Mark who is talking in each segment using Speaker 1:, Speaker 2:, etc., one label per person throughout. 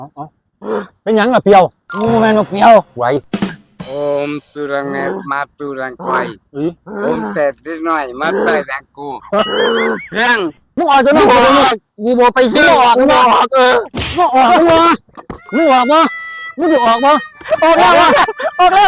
Speaker 1: เป็นหยังล่ะเปียวงูแม่นกเปียวไหว
Speaker 2: Turang ma turang kwai
Speaker 1: อุ้ย
Speaker 2: แต่นิดหน่อยมาใต้แดงกูเรื่อง
Speaker 1: มึงออกจะไม่ออกกูบอกไปซื้อออกมึงออกมึงออกมึงออกมึงออกมามึงจะออกมาออกแล้วออกแล้ว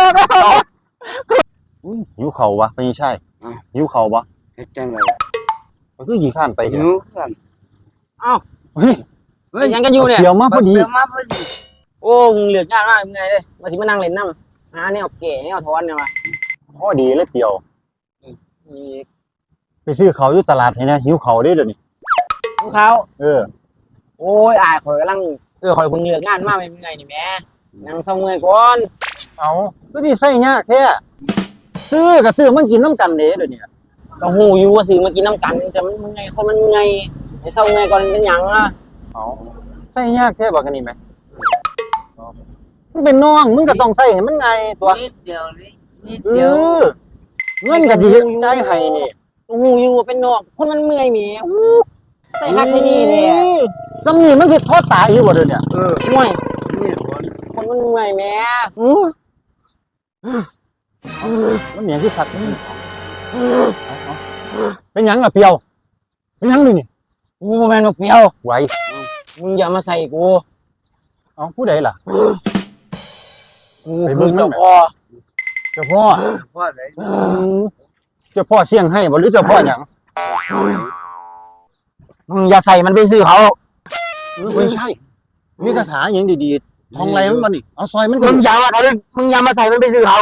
Speaker 1: หิวเข่าวะไม่ใช่หิวเข่าวะ
Speaker 2: เฮ็ดจังได๋
Speaker 1: มันคือขี่ข้านไป
Speaker 2: หิ
Speaker 1: เนี่ยว
Speaker 2: กัน
Speaker 1: เฮ้ย
Speaker 3: ยังกันอยู่เนี่ย
Speaker 1: เดี๋ยวมาพอดี
Speaker 2: เดี๋ยวมาพอดี
Speaker 3: โอ้มึงเหลืองานมากมึงไงเลยมาสิมานั่งเล่นน้ำหาแนวเก๋แนวทอนเนี่ยมา
Speaker 1: พอดีเลยเปียว
Speaker 3: มี
Speaker 1: ไปซื้อเขาวอยู่ตลาดเห็นไหมหิวเขาวได้เดี๋ยวนี้
Speaker 3: ของเขา โอ้ยอายข่อยกำลังข่อยเพิ่งเหลืองานมากเป็นไงนี่แม่นั่งเศร้าเมื่อยก่อน
Speaker 1: เอาก็ดีใส่ยากแท้ซื้อกับซื้อมันกินน้ำกันเด้เดี๋ยวนี้
Speaker 3: ก็หูอยู่ว่าซื้อมากินน้ำกันแต่มันไงคนมันไงไอ้เศร้าเมื่อยก่อนเป็นหยังอ่ะ
Speaker 1: เอาใส่ยากแท้บอกกันนี่ไหมมึงเป็นน้องมึงก็ต้องใส่ให้มันไงตัว
Speaker 2: นิดเดียวนี่นิด
Speaker 1: เอ
Speaker 2: เดียว
Speaker 1: อเงินก็ดีใจให้นี่
Speaker 3: หูอยู่ว่าเป็นนอกคนมันเมื่อยหมีใส่ฮักที่นี่เลย
Speaker 1: สำนีมันคือทอดตายอยู่บ่เดี๋ยวนี้
Speaker 3: ห่วย
Speaker 2: นี่คน
Speaker 3: คนมันเมื่อยแม่
Speaker 1: มันเหนียงคือสัตว์เป็นหยังล่ะเปียวเป็นหยังนี่
Speaker 3: กูบ่แม่นนกเปียว
Speaker 1: ไหว
Speaker 3: มึงอย่ามาใส่กู
Speaker 1: เอาผู้ใดล่ะ
Speaker 3: กูคือเจ้าพ่อ
Speaker 1: เจ้าพ่อ
Speaker 2: พ่อได้
Speaker 1: เจ้าพ่อเสี่ยงให้บ่หรือเจ้าพ่อหยัง
Speaker 3: มึงอย่าใส่มันไปซื้อเขา
Speaker 1: ไม่ใช่มีคาถาอย่างดีๆทองไรมันบ่นี่เอาซอยมันก็
Speaker 3: มึงอย่ามามึงอย่ามาใส่มันไปซื้อเขา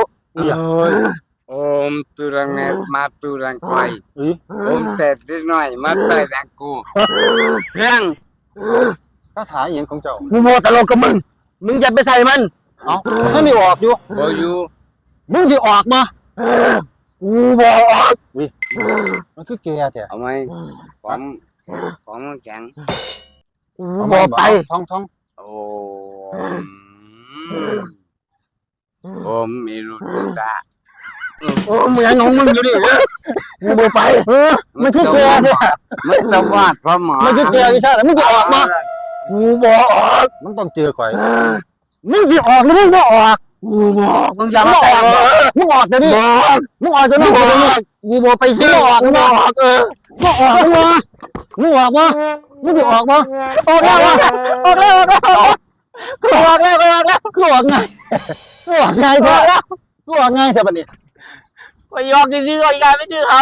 Speaker 2: turang ma turang kwai
Speaker 1: เอ้ย
Speaker 2: แต่นิดหน่อยมาใต้แดงกูเรื่อง
Speaker 1: คาถาอย่างของเจ้า
Speaker 3: กูโมตลกกับมึงอย่าไปใส่มัน
Speaker 1: เอามันก็ไม่ออกอยู่
Speaker 2: บ่อยู่
Speaker 1: มึงสิออกมา
Speaker 3: กูบอกออก
Speaker 1: มันคือแกแต่
Speaker 2: เอาไหมของมันแข็ง
Speaker 3: กูบอกไป
Speaker 1: ท้อง
Speaker 2: โอ้ผมมีรู้ตัวตา
Speaker 3: โอ้มึงยังงงมึงอยู่ดิกูบอกไป
Speaker 1: มันคือแกเนี่ย
Speaker 2: มันจะวาดพระหมา
Speaker 1: มันคือแกวิชาแล้วมึงจะออกมา
Speaker 3: กูบอกออก
Speaker 1: มันต้องเจอก่อยมึงสิออกหรือมึงบ่ออก
Speaker 3: กูบอกมึงอย่ามา
Speaker 1: อ
Speaker 3: แตะ
Speaker 1: อกมึงออกเดี๋ยวนี้มึงออกเดี๋ยวนี้กูบอกไปซื้อออกมึงออกมึงออกมึงออกมามึงสิออกมาออกแล้วออกแล้วกูออกแล้วกูออกไงกูออกไงเถอะกูออกไงเถอะบัดนี้
Speaker 3: ไปยอกซื้อเขาอีกการไม่ซื้อเขา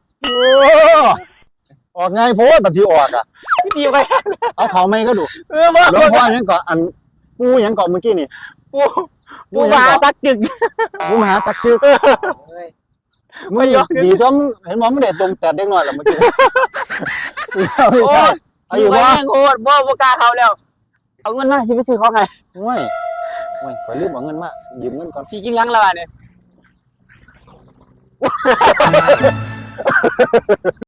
Speaker 1: ออกไงโพสบัดที่ออกอ่ะ
Speaker 3: พี่ดีไป
Speaker 1: เอาเขาไม่ก็ดู
Speaker 3: มา
Speaker 1: หลวงพ่อยังก่อนอันกูยังก่อนเมื่อกี้นี่
Speaker 3: กูมาสักจึก
Speaker 1: กูมาหาตักจึกมึงดีจนเห็นว่ามึงเด็ดตรงแต่เด็กน้อยแล้วเมื่อกี้ไม่ใช่อายุ
Speaker 3: ไป
Speaker 1: ว่า
Speaker 3: แม่งโคตรบ่กล้าเขาแล้วเอาเงินมาสิไปซื้อเขาไง
Speaker 1: โอ้ยขอรีบเอาเงินมายืมเงินก่อน
Speaker 3: สิกินยังละบาดเนี่ย